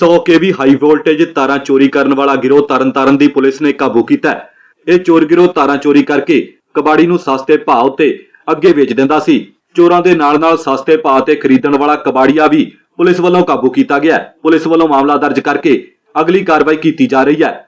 100 केवी high voltage तारां चोरी करने वाला गिरोह तरनताਰਨ ਦੀ पुलिस ने काबू किया है। ਇਹ ਚੋਰ ਗਿਰੋਹ ਤਾਰਾਂ ਚੋਰੀ ਕਰਕੇ ਕਬਾੜੀ ਨੂੰ ਸਸਤੇ ਭਾਅ ਉੱਤੇ ਅੱਗੇ ਵੇਚ ਦਿੰਦਾ ਸੀ। ਚੋਰਾਂ ਦੇ ਨਾਲ-ਨਾਲ ਸਸਤੇ ਭਾਅ ਤੇ ਖਰੀਦਣ ਵਾਲਾ ਕਬਾੜੀਆ ਵੀ ਪੁਲਿਸ ਵੱਲੋਂ ਕਾਬੂ ਕੀਤਾ ਗਿਆ ਹੈ। ਪੁਲਿਸ ਵੱਲੋਂ ਮਾਮਲਾ ਦਰਜ ਕਰਕੇ ਅਗਲੀ ਕਾਰਵਾਈ ਕੀਤੀ ਜਾ ਰਹੀ ਹੈ।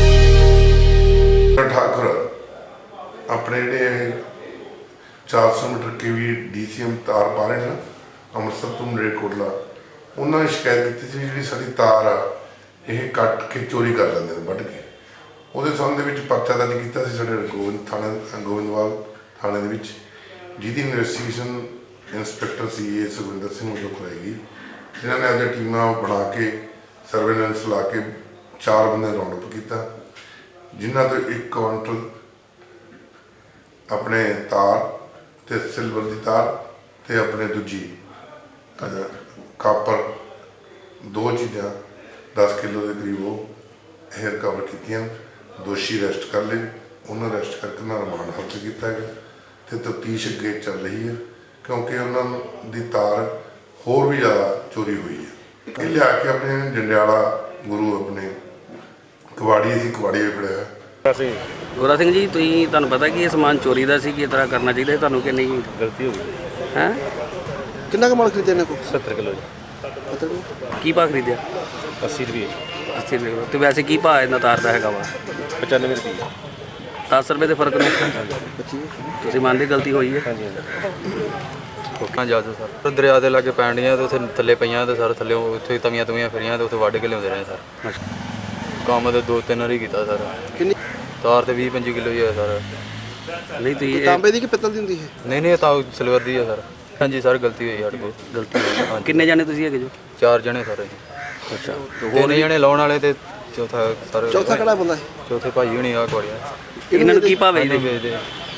ठाकुर अपने ਜਿਹੜੇ 400 मीटर केवी DCM तार पा रहे हैं ਅੰਮ੍ਰਿਤਸਰ ਤੋਂ ਮਲੇਰਕੋਟਲਾ, ਉਹਨਾਂ ਨੇ ਸ਼ਿਕਾਇਤ ਕੀਤੀ ਸੀ ਜਿਹੜੀ ਸਾਡੀ ਤਾਰ ਆ ਇਹ ਕੱਟ ਕੇ ਚੋਰੀ ਕਰ ਲੈਂਦੇ ਨੇ ਵੱਢ ਕੇ। ਉਹਦੇ ਸੰਬੰਧ ਦੇ ਵਿੱਚ ਪਰਚਾ ਦਰਜ ਕੀਤਾ ਸੀ ਸਾਡੇ ਗੋਬਿੰਦਵਾਲ ਥਾਣੇ ਦੇ ਵਿੱਚ, ਜਿਹਦੀ investigation inspector CA Sukhwinder Singh ਵੱਲੋਂ ਕਰਾਈ ਗਈ, ਜਿਨ੍ਹਾਂ ਨੇ ਆਪਣੀਆਂ ਟੀਮਾਂ ਬਣਾ ਕੇ ਸਰਵੇਲੈਂਸ ਲਾ ਕੇ 4 ਬੰਦੇ ਰਾਉਂਡ ਅਪ ਕੀਤਾ, ਜਿਨ੍ਹਾਂ ਤੋਂ 1 ਕੁਆਂਟਲ ਆਪਣੇ ਤਾਰ ਤੇ ਸਿਲਵਰ ਦੀ ਤਾਰ ਤੇ ਆਪਣੇ ਦੂਜੀ ਕਾਪਰ 2 ਚੀਜ਼ਾਂ 10 ਕਿਲੋ ਦੇ ਕਰੀਬ ਉਹ ਹੈਰ ਕਵਰ ਕੀਤੀਆਂ। ਦੋਸ਼ੀ ਅਰੈਸਟ ਕਰ ਲਏ, ਉਹਨਾਂ ਅਰੈਸਟ ਕਰਕੇ ਉਹਨਾਂ ਰਿਮਾਂਡ ਹਾਸਲ ਕੀਤਾ ਗਿਆ ਤੇ ਤਫਤੀਸ਼ ਅੱਗੇ ਚੱਲ ਰਹੀ ਹੈ, ਕਿਉਂਕਿ ਉਹਨਾਂ ਦੀ ਤਾਰ ਹੋਰ ਵੀ ਜ਼ਿਆਦਾ ਚੋਰੀ ਹੋਈ ਹੈ। ਇਹ ਲਿਆ ਕੇ ਆਪਣੇ ਜੰਡਿਆਲਾ ਗੁਰੂ ਆਪਣੇ ਕਬਾੜੀ ਸੀ, ਕਬਾੜੀ ਫੜਿਆ। ਗੋਰਾ ਸਿੰਘ ਜੀ, ਤੁਹਾਨੂੰ ਪਤਾ ਕਿ ਇਹ ਸਮਾਨ ਚੋਰੀ ਦਾ ਸੀ, ਕਿ ਇਸ ਤਰ੍ਹਾਂ ਕਰਨਾ ਚਾਹੀਦਾ ਤੁਹਾਨੂੰ ਕਿ ਨਹੀਂ? ਗਲਤੀ ਹੋ ਗਈ ਹੈ ਕਿੰਨਾ ਕੁ ਮਾਲ ਖਰੀਦਿਆ ਇਹਨਾਂ ਕੋਲ? 70 ਕਿਲੋ ਜੀ। ਕੀ ਭਾਅ ਖਰੀਦਿਆ? 80 ਰੁਪਏ। 80 ਰੁਪਏ। ਤੇ ਵੈਸੇ ਕੀ ਭਾਅ ਇਹਨਾਂ ਤਾਰ ਦਾ ਹੈਗਾ ਵਾ? 95 ਰੁਪਏ। 10 ਰੁਪਏ ਦੇ ਫਰਕ ਨੂੰ ਤੁਸੀਂ ਮੰਨਦੇ ਗਲਤੀ ਹੋਈ ਹੈ? ਹਾਂਜੀ ਕੋਕਾਂ ਜਾ ਦੋ ਸਰ, ਦਰਿਆ ਦੇ ਲਾਗੇ ਪੈਂਡੀਆਂ ਤੇ ਉੱਥੇ ਥੱਲੇ ਪਈਆਂ ਤੇ ਸਰ ਥੱਲੇ ਉੱਥੇ ਤਵੀਆਂ ਫਿਰੀਆਂ ਤੇ ਉੱਥੇ ਵੱਢ ਕੇ ਲਿਆਉਂਦੇ ਰਹੇ ਸਰ। ਕੰਮ ਤੇ 2-3 ਵਾਰੀ ਕੀਤਾ ਸਰ। ਕਿੰਨੀ ਤਾਰ ਤੇ 20-25 ਕਿਲੋ ਹੀ ਹੈ ਸਰ। ਨਹੀਂ ਤੁਸੀਂ ਤਾਂਬੇ ਦੀ ਕਿ ਪਿੱਤਲ ਦੀ ਹੁੰਦੀ ਹੈ? ਨਹੀਂ ਤਾਂ ਸਿਲਵਰ ਦੀ ਹੈ ਸਰ। ਹਾਂਜੀ ਸਰ, ਗਲਤੀ ਹੋਈ ਸਾਡੇ ਕੋਲ। ਗਲਤੀ ਹੋਈ। ਕਿੰਨੇ ਜਾਣੇ ਤੁਸੀਂ ਹੈਗੇ ਜੋ? 4 ਜਣੇ ਸਰ। ਅੱਛਾ, ਹੋਰ ਜਣੇ ਲਾਉਣ ਵਾਲੇ ਤੇ ਚੌਥਾ ਸਰ। ਚੌਥਾ ਕਿਹੜਾ ਬੰਦਾ ਹੈ? ਚੌਥੇ ਭਾਈ ਹੋਣੀ ਆ ਕੁਆੜੀਆਂ। ਇਹਨਾਂ ਨੂੰ ਕੀ ਭਾਅ ਵੇਚਦੇ? ਵੇਚਦੇ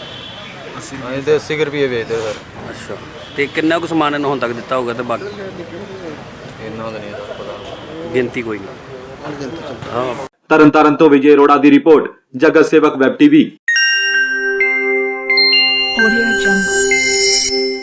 80 ਰੁਪਏ ਵੇਚਦੇ ਸਰ। ਅੱਛਾ, ਤੇ ਕਿੰਨਾ ਕੁ ਸਮਾਨ ਇਹਨੂੰ ਹੁਣ ਤੱਕ ਦਿੱਤਾ ਹੋਊਗਾ? ਤੇ ਬਾਕੀ ਇਹਨਾਂ ਦਾ ਨਹੀਂ ਸਰ ਪਤਾ, ਗਿਣਤੀ ਕੋਈ ਨਹੀਂ। ਹਾਂ। ਤਰਨਤਾਰਨ ਤੋਂ ਵਿਜੇ ਅਰੋੜਾ ਦੀ ਰਿਪੋਰਟ, ਜਗਤ ਸੇਵਕ ਵੈਬ TV। Audio Jungle।